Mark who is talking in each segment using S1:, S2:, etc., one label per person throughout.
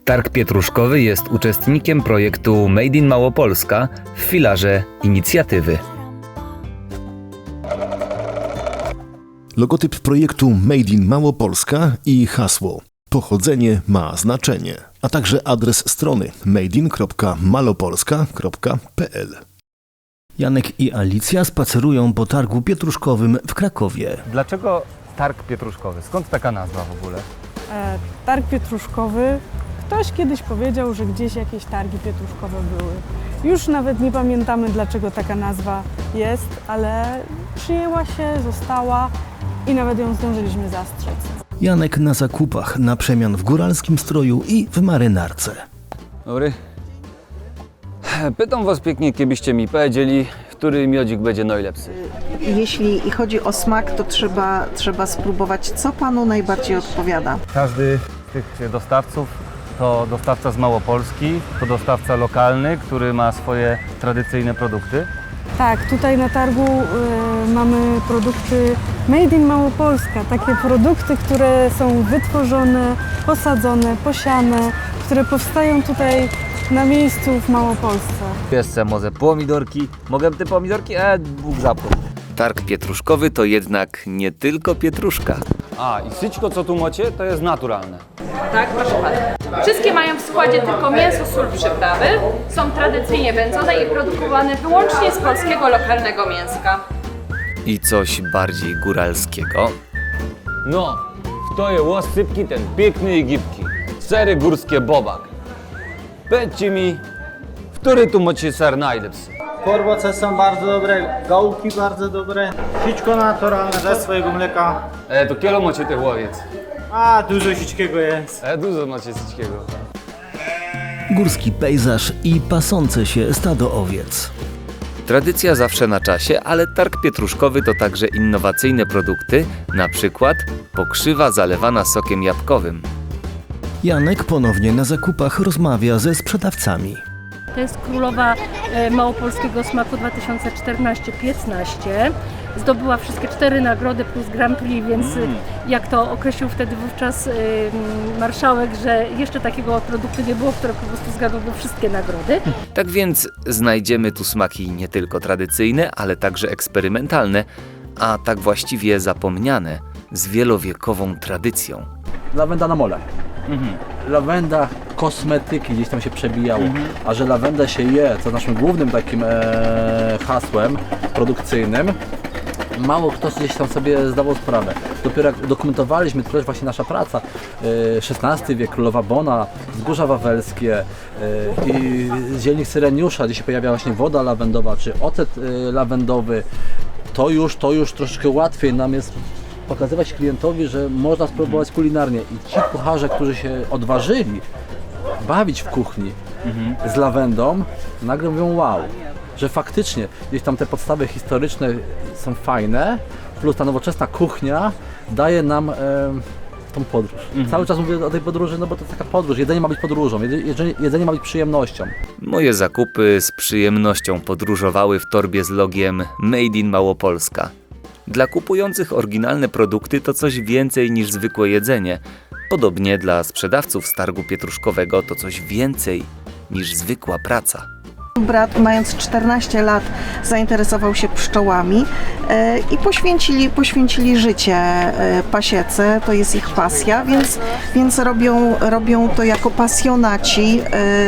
S1: Targ Pietruszkowy jest uczestnikiem projektu Made in Małopolska w filarze inicjatywy.
S2: Logotyp projektu Made in Małopolska i hasło Pochodzenie ma znaczenie, a także adres strony madein.malopolska.pl. Janek i Alicja spacerują po targu pietruszkowym w Krakowie.
S1: Dlaczego Targ Pietruszkowy? Skąd taka nazwa w ogóle?
S3: Targ Pietruszkowy, ktoś kiedyś powiedział, że gdzieś jakieś targi pietruszkowe były. Już nawet nie pamiętamy, dlaczego taka nazwa jest, ale przyjęła się, została i nawet ją zdążyliśmy zastrzec.
S2: Janek na zakupach, na przemian w góralskim stroju i w marynarce.
S4: Dobry. Pytam was pięknie, kiedyście mi powiedzieli, który miodzik będzie najlepszy.
S5: Jeśli chodzi o smak, to trzeba spróbować, co Panu najbardziej odpowiada.
S1: Każdy z tych dostawców to dostawca z Małopolski, to dostawca lokalny, który ma swoje tradycyjne produkty.
S3: Tak, tutaj na targu mamy produkty Made in Małopolska. Takie produkty, które są wytworzone, posadzone, posiane, które powstają tutaj na miejscu w Małopolsce.
S4: Jeszcze może pomidorki. Mogę te pomidorki? Bóg zapłać.
S1: Targ Pietruszkowy to jednak nie tylko pietruszka.
S4: A, i wszystko co tu macie, to jest naturalne.
S6: Tak, proszę pana. Wszystkie mają w składzie tylko mięso, sól, przyprawy. Są tradycyjnie wędzone i produkowane wyłącznie z polskiego lokalnego mięska.
S1: I coś bardziej góralskiego.
S4: No, to jest łosypki ten piękny i gibki. Sery górskie bobak. Powiedzcie mi, który tu macie ser najlepszy?
S7: Porboce są bardzo dobre, gałki bardzo dobre, sićko naturalne ze swojego mleka.
S4: To kielo macie tych łowiec.
S7: A, dużo sićkiego jest.
S4: Dużo macie wszystkiego.
S2: Górski pejzaż i pasące się stado owiec.
S1: Tradycja zawsze na czasie, ale Targ Pietruszkowy to także innowacyjne produkty, na przykład pokrzywa zalewana sokiem jabłkowym.
S2: Janek ponownie na zakupach rozmawia ze sprzedawcami.
S8: To jest królowa małopolskiego smaku 2014-15. Zdobyła wszystkie 4 nagrody plus Grand Prix, więc jak to określił wtedy wówczas marszałek, że jeszcze takiego produktu nie było, które po prostu zgadłoby wszystkie nagrody.
S1: Tak więc znajdziemy tu smaki nie tylko tradycyjne, ale także eksperymentalne, a tak właściwie zapomniane, z wielowiekową tradycją.
S9: Lawenda na mole. Lawenda, kosmetyki gdzieś tam się przebijało, a że lawendę się je, co naszym głównym takim hasłem produkcyjnym, mało kto gdzieś tam sobie zdawał sprawę. Dopiero jak dokumentowaliśmy, to też właśnie nasza praca, XVI wiek, Królowa Bona, Wzgórza Wawelskie i zielnik Syreniusza, gdzie się pojawia właśnie woda lawendowa, czy ocet lawendowy, to już troszeczkę łatwiej nam jest pokazywać klientowi, że można spróbować kulinarnie. I ci kucharze, którzy się odważyli bawić w kuchni z lawendą, nagle mówią wow, że faktycznie gdzieś tam te podstawy historyczne są fajne, plus ta nowoczesna kuchnia daje nam tą podróż. Cały czas mówię o tej podróży, no bo to jest taka podróż. Jedzenie ma być podróżą, jedzenie ma być przyjemnością.
S1: Moje zakupy z przyjemnością podróżowały w torbie z logiem Made in Małopolska. Dla kupujących oryginalne produkty to coś więcej niż zwykłe jedzenie. Podobnie dla sprzedawców z targu pietruszkowego to coś więcej niż zwykła praca.
S5: Brat, mając 14 lat, zainteresował się pszczołami i poświęcili życie pasiece, to jest ich pasja, więc robią to jako pasjonaci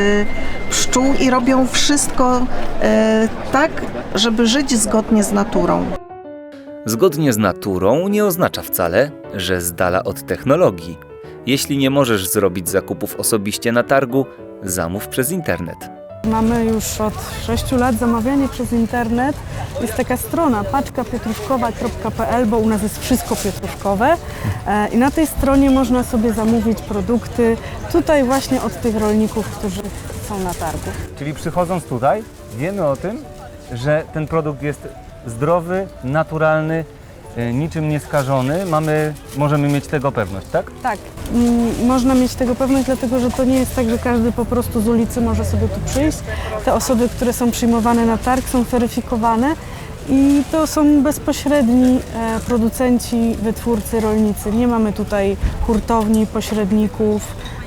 S5: pszczół i robią wszystko tak, żeby żyć zgodnie z naturą.
S1: Zgodnie z naturą nie oznacza wcale, że z dala od technologii. Jeśli nie możesz zrobić zakupów osobiście na targu, zamów przez internet.
S3: Mamy już od 6 lat zamawianie przez internet. Jest taka strona paczkapietruszkowa.pl, bo u nas jest wszystko pietruszkowe i na tej stronie można sobie zamówić produkty tutaj właśnie od tych rolników, którzy są na targu.
S1: Czyli przychodząc tutaj, wiemy o tym, że ten produkt jest zdrowy, naturalny, niczym nieskażony. Możemy mieć tego pewność, tak?
S3: Tak, można mieć tego pewność, dlatego że to nie jest tak, że każdy po prostu z ulicy może sobie tu przyjść. Te osoby, które są przyjmowane na targ, są weryfikowane i to są bezpośredni producenci, wytwórcy, rolnicy. Nie mamy tutaj hurtowni, pośredników.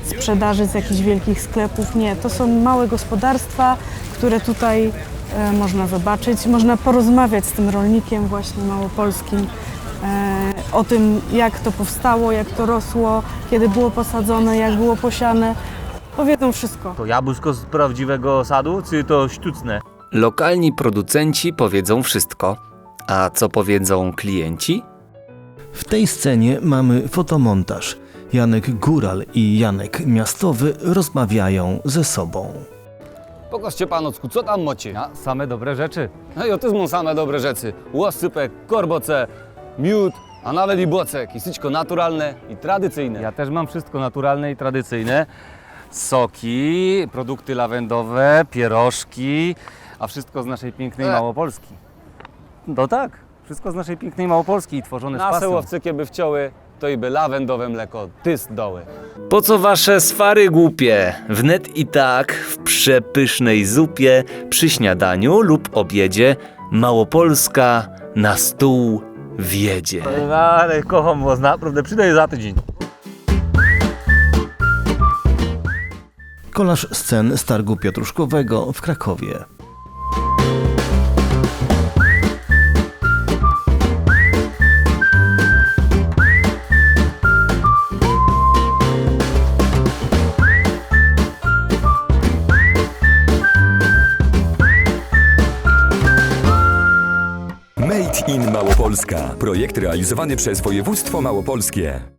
S3: sprzedaży z jakichś wielkich sklepów. Nie, to są małe gospodarstwa, które tutaj można zobaczyć. Można porozmawiać z tym rolnikiem właśnie małopolskim o tym, jak to powstało, jak to rosło, kiedy było posadzone, jak było posiane. Powiedzą wszystko.
S4: To jabłuszko z prawdziwego sadu, czy to sztuczne?
S1: Lokalni producenci powiedzą wszystko. A co powiedzą klienci?
S2: W tej scenie mamy fotomontaż. Janek Góral i Janek Miastowy rozmawiają ze sobą.
S4: Pokażcie panocku, co tam macie? Ja, same dobre rzeczy. No i otyzmą same dobre rzeczy. Łosypek, korboce, miód, a nawet i bocek. I wszystko naturalne i tradycyjne. Ja też mam wszystko naturalne i tradycyjne. Soki, produkty lawendowe, pierożki, a wszystko z naszej pięknej Małopolski. No tak, wszystko z naszej pięknej Małopolski i tworzone z pasją. Nasze łowcykie by wciąły, to i by lawendowe mleko tyst doły.
S1: Po co wasze swary głupie? Wnet i tak w przepysznej zupie, przy śniadaniu lub obiedzie Małopolska na stół wiedzie.
S4: Ale kocham was, naprawdę przydaję za tydzień.
S2: Kolaż scen z targu pietruszkowego w Krakowie.
S10: Made in Małopolska. Projekt realizowany przez województwo małopolskie.